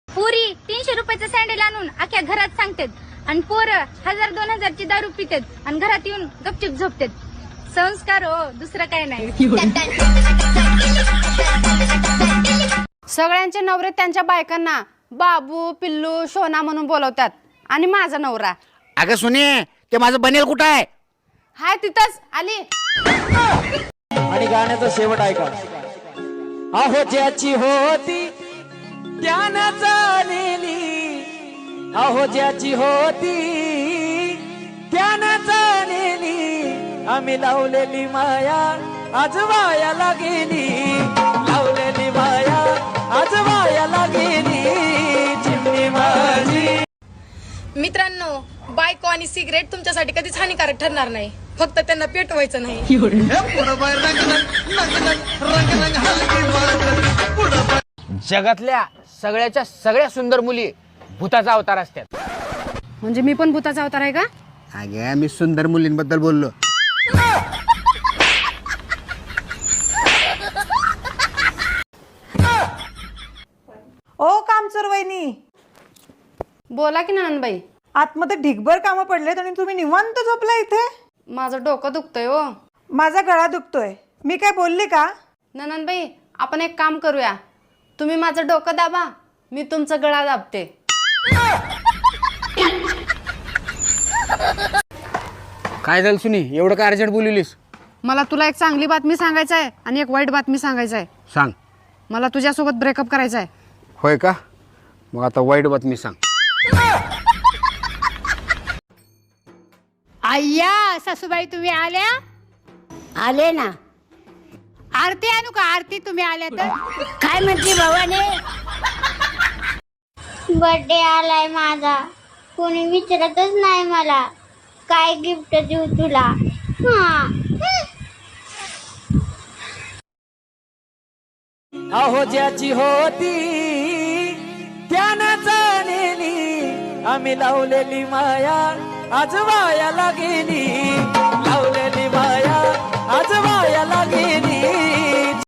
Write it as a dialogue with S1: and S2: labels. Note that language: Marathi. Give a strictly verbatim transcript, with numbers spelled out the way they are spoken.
S1: पुरी तीनशे रुपयाचं सँडल आणून अख्ख्या घरात सांगतात आणि पोरं हजार दोन हजारची दारू पितात आणि घरात येऊन गपचिप झोपतात. संस्कार हो, दुसरं काय नाही.
S2: सगळ्यांचे नवरे त्यांच्या बायकांना बाबू पिल्लू शोना म्हणून बोलवतात आणि माझा नवरा.
S3: अगं सुने, ते माझं बनेल कुठं आहे?
S2: हाय तिथंच आली.
S4: आणि गाण्याचा शेवट ऐका. अहो ज्याची होती त्यानं चालेली, अहो ज्याची होती त्यानं चालेली, आम्ही लावलेली माया आज वायाला गेली, लावलेली माया आज वायाला गेली, चिमणी माझी.
S5: मित्रांनो, बायको आणि सिगरेट तुमच्यासाठी कधीच हानिकारक ठरणार नाही, फक्त त्यांना पेटवायचं नाही.
S6: जगातल्या सगळ्याच्या सगळ्या सुंदर मुली भूताचा अवतार असतात.
S2: म्हणजे मी पण भूताचा अवतार आहे का?
S3: अगं मी सुंदर मुलींबद्दल बोललो.
S7: ओ कामचोर वहिनी,
S2: बोला की ननंदबाई.
S7: आतमध्ये ढिगभर कामं पडलेत आणि तुम्ही निवांत झोपला इथे.
S2: माझं डोकं दुखतंय हो.
S7: माझा गळा दुखतोय. मी काय बोलली का?
S2: ननंदबाई, आपण एक काम करूया. तुम्ही माझं डोकं दाबा, मी तुमचं गळा दाबते.
S6: काय झालं सुनी, एवढं काय अर्जंट बोललीस?
S2: मला तुला एक चांगली बातमी सांगायचं आहे आणि एक वाईट बातमी सांगायचं आहे.
S6: सांग.
S2: मला तुझ्यासोबत ब्रेकअप करायचं आहे.
S6: होय का? मग आता वाईट बातमी सांग.
S8: अय्या सासूबाई, तुम्ही आल्या?
S9: आले ना.
S8: आरती आणू का? आरती तुम्ही आल्या तर.
S9: काय म्हणते भावाने?
S1: बर्थडे आलाय माझा, कोणी विचारतच नाही मला काय गिफ्ट देऊ तुला. हा,
S4: अहो ज्याची होती त्यानं चालेली, आम्ही लावलेली माया आज वायाला गेली,